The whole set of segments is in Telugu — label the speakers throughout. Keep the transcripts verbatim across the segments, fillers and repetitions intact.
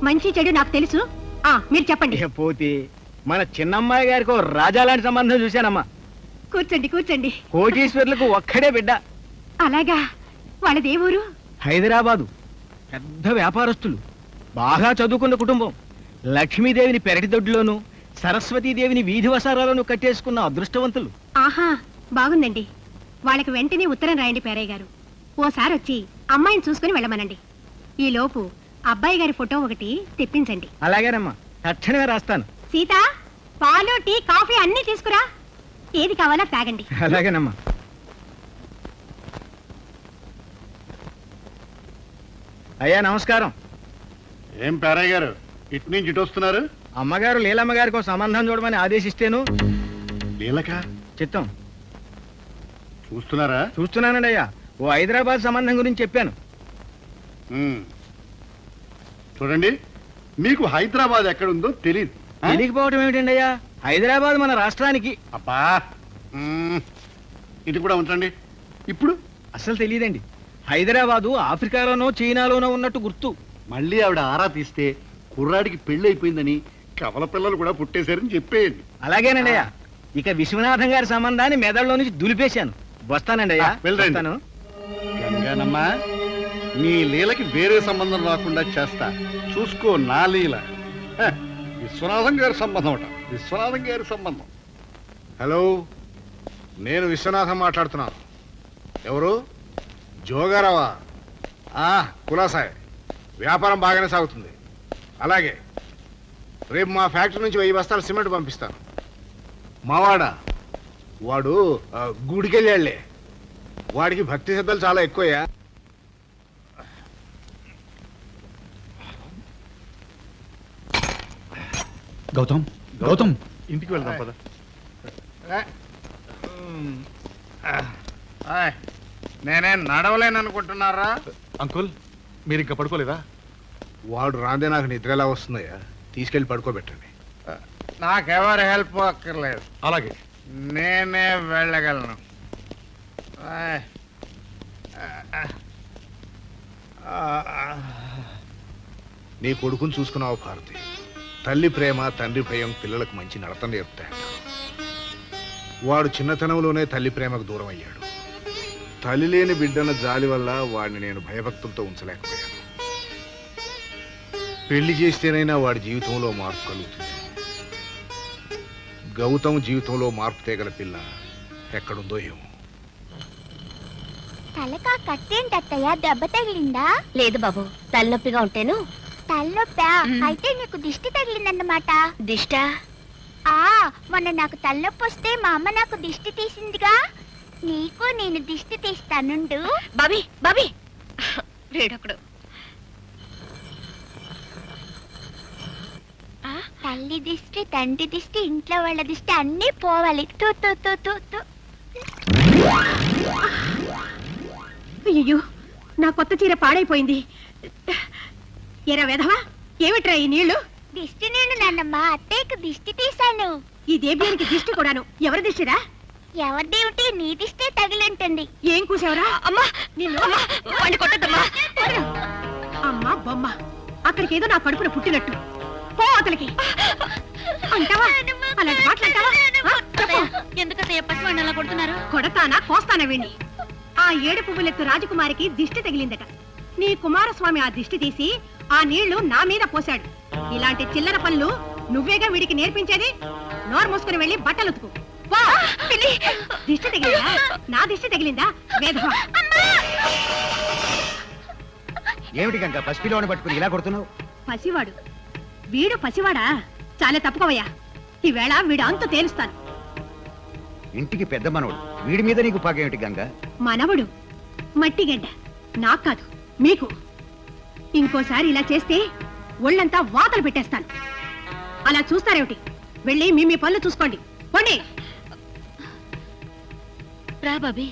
Speaker 1: మంచి చెడు నాకు తెలుసు. ఆ మీరు చెప్పండి.
Speaker 2: పోతే మన చిన్నమ్మాయి గారికి రాజా లాంటి సంబంధం చూశానమ్మా.
Speaker 1: కూర్చోండి కూర్చోండి.
Speaker 2: కోటీశ్వర్లకు ఒక్కడే బిడ్డ.
Speaker 1: అలాగా? వాళ్ళదే ఊరు?
Speaker 2: హైదరాబాదు. పెద్ద వ్యాపారస్తులు, బాగా చదువుకున్న కుటుంబం. లక్ష్మీదేవిని పెరటి దొడ్లోను, సరస్వతీదేవిని వీధి వసారాలను కట్టేసుకున్న అదృష్టవంతులు.
Speaker 1: ఆహా, బాగుందండి. వాళ్ళకి వెంటనే ఉత్తరం రాయండి పేరయ్య గారు. ఓసారి వచ్చి అమ్మాయిని చూసుకుని వెళ్ళమనండి. ఈ లోపు అబ్బాయి గారి ఫోటో ఒకటి తెప్పించండి.
Speaker 2: అలాగేనమ్మా, తక్షణమే రాస్తాను.
Speaker 1: సీత, పాలు టీ కాఫీ అన్ని తీసుకురా. ఏది కావాలో తాగండి.
Speaker 2: అలాగేనమ్మా. అయ్యా నమస్కారం.
Speaker 3: ఏం పేరయ్య గారు ఇటు నుంచి ఇటు వస్తున్నారు?
Speaker 2: అమ్మగారు లీలమ్మ గారికి ఒక సంబంధం చూడమని ఆదేశిస్తేను.
Speaker 3: లీలక
Speaker 2: చిత్తం.
Speaker 3: చూస్తున్నారా?
Speaker 2: చూస్తున్నానండి అయ్యా. ఓ హైదరాబాద్ సంబంధం గురించి చెప్పాను.
Speaker 3: చూడండి, మీకు హైదరాబాద్ ఎక్కడుందో తెలియదు.
Speaker 2: తెలియకపోవడం ఏమిటండి అయ్యా? హైదరాబాద్ మన రాష్ట్రానికి.
Speaker 3: అబ్బా, ఇది కూడా ఉంచండి. ఇప్పుడు
Speaker 2: అసలు తెలియదండి. హైదరాబాదు ఆఫ్రికాలోనో చైనాలోనో ఉన్నట్టు గుర్తు.
Speaker 3: మళ్ళీ ఆవిడ ఆరా తీస్తే కుర్రాడికి పెళ్లి అయిపోయిందని, కవల పిల్లలు కూడా పుట్టేశారని చెప్పేయండి.
Speaker 2: అలాగేనండి అయ్యా. ఇక విశ్వనాథం గారి సంబంధాన్ని మెదడులో నుంచి దులిపేశాను. వస్తానండి అయ్యా.
Speaker 3: వెళ్తాను. గంగానమ్మా, నీ లీలకి వేరే సంబంధం రాకుండా చేస్తా. చూసుకో నా లీల. విశ్వనాథం గారి సంబంధం అట. విశ్వనాథం గారి సంబంధం.
Speaker 4: హలో, నేను విశ్వనాథం మాట్లాడుతున్నాను. ఎవరు? జోగారావా? కులాసాయ్. వ్యాపారం బాగానే సాగుతుంది. అలాగే రేపు మా ఫ్యాక్టరీ నుంచి వెయ్యి బస్తాలు సిమెంట్ పంపిస్తాను. మావాడా? వాడు గుడికెళ్ళాళ్లే. వాడికి భక్తి శ్రద్ధలు చాలా ఎక్కువయ్యా.
Speaker 5: గౌతమ్, గౌతమ్,
Speaker 3: ఇంటికి వెళ్దాం పద.
Speaker 4: నేనే నడవలేను అనుకుంటున్నారా?
Speaker 5: అంకుల్, మీరు ఇంకా పడుకోలేదా?
Speaker 4: వాడు రాందే నాకు నిద్ర ఎలా వస్తుందయ్యా? తీసుకెళ్లి పడుకోబెట్టండి.
Speaker 6: నాకెవరు హెల్ప్ అక్కర్లేదు.
Speaker 5: అలాగే
Speaker 6: నేనే వెళ్ళగలను.
Speaker 4: నీ కొడుకుని చూసుకున్నావు భారతి. తల్లి ప్రేమ తండ్రి భయం పిల్లలకు మంచి నడత నేర్పుతాయంట. వాడు చిన్నతనంలోనే తల్లి ప్రేమకు దూరం అయ్యాడు. తల్లి లేని బిడ్డన జాలి వల్ల వాడిని నేను భయభక్తులతో ఉంచలేకపోయాను. పెళ్లి చేస్తేనైనా వాడి జీవితంలో మార్పు కలుగుతుంది. గౌతమ్ జీవితంలో మార్పు తేగల పిల్ల ఎక్కడుందో ఏమో.
Speaker 7: తలకా కట్టేంటత్తయ్య? దెబ్బ తగిలిందా?
Speaker 8: లేదు బాబు, తలనొప్పిగా ఉంటేను.
Speaker 7: తలనొప్పా? అయితే నీకు దిష్టి తగిలిందన్నమాట.
Speaker 8: దిష్టా?
Speaker 7: ఆ మొన్న నాకు తలనొప్పి వస్తే మా అమ్మ నాకు దిష్టి తీసిందిగా. నీకు నేను దిష్టి తీస్తానుండు.
Speaker 8: బాబీ, బాబీ, రేడొకడు.
Speaker 7: తల్లి దిష్టి, తండ్రి దిష్టి, ఇంట్లో వాళ్ళ దిష్టి అన్నీ పోవాలి. తూ తూ తూ తూ తూ.
Speaker 1: అయ్యో, నా కొత్త చీర పాడైపోయింది. ఎరా వెధవా, ఏమిట్రా ఈ నీళ్లు?
Speaker 7: దిష్టి నేను నాన్నమ్మ, అత్తయ్యకు దిష్టి తీశాను.
Speaker 1: ఈ దేవ్యానికి దిష్టి కూడాను. ఎవరి దిష్టిరా?
Speaker 7: ఎవరిదేమిటి, నీ దిష్టే తగిలింటుంది.
Speaker 1: ఏం కూసావరా?
Speaker 8: అమ్మా, నిన్ను కొట్టద్దమ్మా.
Speaker 1: అమ్మా బొమ్మ, అక్కడికి ఏదో నా కడుపున పుట్టినట్టు. పో అతలికి. అంటావా? అలాంటి మాట్లాడతావా?
Speaker 8: ఎందుకంటే పసివాడిని అలా కొడుతున్నారు?
Speaker 1: కొడతానా కోస్తానా వీణ్ణి? ఆ ఏడు పువ్వులెత్తు రాజకుమారికి దిష్టి తగిలిందట. నీ కుమారస్వామి ఆ దిష్టి తీసి ఆ నీళ్లు నా మీద పోశాడు. ఇలాంటి చిల్లర పనులు నువ్వేగా వీడికి నేర్పించేది? నోరు మూసుకుని వెళ్ళి బట్టలు ఉతుకు. దిష్టి తగిలిందా? నా దిష్టి తగిలిందా? వేధవా!
Speaker 2: ఏమిటి గంగ పసిపిల్లని పట్టుకుని ఇలా కొడుతున్నావు?
Speaker 1: పసివాడు వీడు పసివాడా? చాలా తప్పుకోవయ్యా. ఈవేళ వీడు అంతు తేలుస్తాను.
Speaker 2: ఇంటికి పెద్ద మనవడు, వీడి మీద నీకు పాకేమిటి గంగ?
Speaker 1: మనవడు మట్టిగడ్డ, నాకు కాదు మీకు. ఇంకోసారి ఇలా చేస్తే ఒళ్ళంతా వాతలు పెట్టేస్తాను. అలా చూస్తారేమిటి? వెళ్ళి మీ మీ పనులు చూసుకోండి. పోండి.
Speaker 8: రా బాబీ.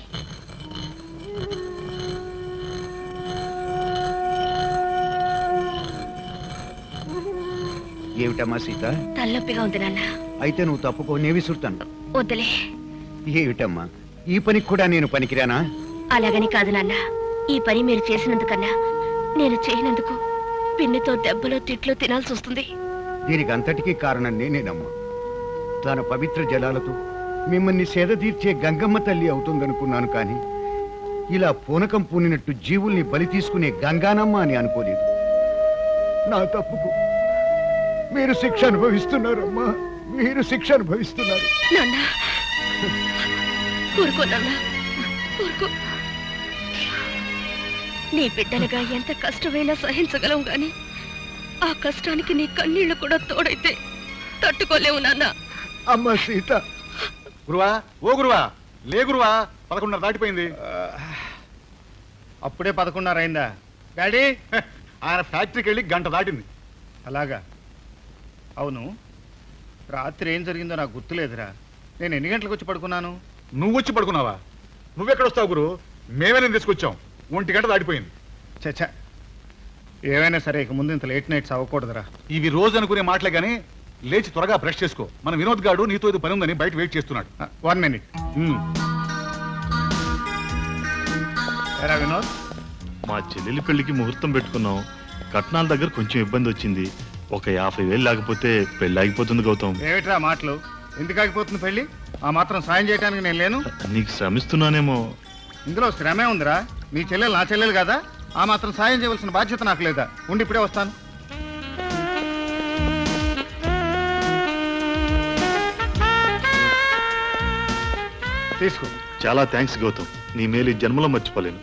Speaker 2: ఏమిటమ్మా సీత?
Speaker 8: తలనొప్పిగా ఉంది నాన్న.
Speaker 2: అయితే నువ్వు తప్పుకో, నే విసురుతాను.
Speaker 8: వద్దులే.
Speaker 2: ఏమిటమ్మా, ఈ పనికి కూడా నేను పనికిరానా?
Speaker 8: అలాగని కాదు నాన్న, ఈ పని మీరు చేసినందుకన్నా నేను చేయనందుకు పిన్నితో దెబ్బలో తిట్లో తినాల్సి వస్తుంది.
Speaker 9: దీనికి అంతటికీ కారణం నేనేనమ్మా. తన పవిత్ర జలాలతో మిమ్మల్ని సేద తీర్చే గంగమ్మ తల్లి అవుతుందనుకున్నాను, కానీ ఇలా పూనకం పూనినట్టు జీవుల్ని బలి తీసుకునే గంగానమ్మ అని అనుకోలేదు. నా తప్పుకు మీరు శిక్ష అనుభవిస్తున్నారమ్మా, మీరు శిక్ష అనుభవిస్తున్నారు.
Speaker 8: నాన్న ఊరుకో నాన్న, ఊరుకో. నీ బిడ్డలుగా ఎంత కష్టమైనా సహించగలవు గాని ఆ కష్టానికి నీ కన్నీళ్లు కూడా తోడైతే తట్టుకోలేవు నాన్న.
Speaker 9: అమ్మ సీత.
Speaker 5: గురువా, ఓ గురువా, లే గురువా, పదకొండున్నర దాటిపోయింది.
Speaker 6: అప్పుడే పదకొండున్నర అయిందా డాడీ?
Speaker 5: ఆయన ఫ్యాక్టరీకి వెళ్ళి గంట దాటింది.
Speaker 6: అలాగా? అవును, రాత్రి ఏం జరిగిందో నాకు గుర్తులేదురా. నేను ఎన్ని గంటలకు వచ్చి పడుకున్నాను?
Speaker 5: నువ్వు వచ్చి పడుకున్నావా? నువ్వెక్కడొస్తావు గురు? మేమే నేను తీసుకొచ్చాం. ఒంటి గంట దాటిపోయింది.
Speaker 6: చచ్చా, ఏమైనా సరే ఇక ముందు ఇంత లేట్ నైట్స్ అవ్వకూడదురా.
Speaker 5: ఇవి రోజు అనుకునే మాటలే గానీ లేచి త్వరగా బ్రష్ చేసుకో. మన వినోద్ గాడు నీతో ఇది పని ఉందని బయట వెయిట్ చేస్తున్నాడు.
Speaker 6: One minute. ఎరా వినోద్,
Speaker 10: మా చెల్లెలి పెళ్లికి ముహూర్తం పెట్టుకున్నాం. కట్నాల దగ్గర కొంచెం ఇబ్బంది వచ్చింది. ఒక యాభై వేలు లేకపోతే పెళ్లి ఆగిపోతుంది గౌతమ్.
Speaker 6: ఏమిట్రా మాటలు? ఎందుకు ఆగిపోతుంది పెళ్లి? ఆ మాత్రం సాయం చేయడానికి నేను లేను.
Speaker 10: నీకు శ్రమిస్తున్నానేమో.
Speaker 6: ఇందులో శ్రమే ఉందిరా. మీ చెల్లెలు నా చెల్లెలు కదా, ఆ మాత్రం సాయం చేయవలసిన బాధ్యత నాకు లేదా? ఉండి ఇప్పుడే వస్తాను. తీసుకో.
Speaker 10: చాలా థ్యాంక్స్ గౌతమ్, నీ మేలు ఈ జన్మలో మర్చిపోలేను.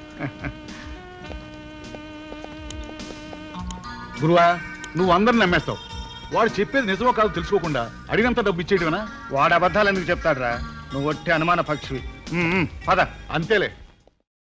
Speaker 5: గురువా, నువ్వు అందరిని నమ్మేస్తావు. వాడు చెప్పేది నిజమో కాదు తెలుసుకోకుండా అడిగినంత డబ్బు ఇచ్చేయటమేనా?
Speaker 6: వాడు అబద్ధాలు ఎందుకు చెప్తాడురా? నువ్వు ఒట్టి అనుమాన పక్షివి. పద.
Speaker 5: అంతేలే.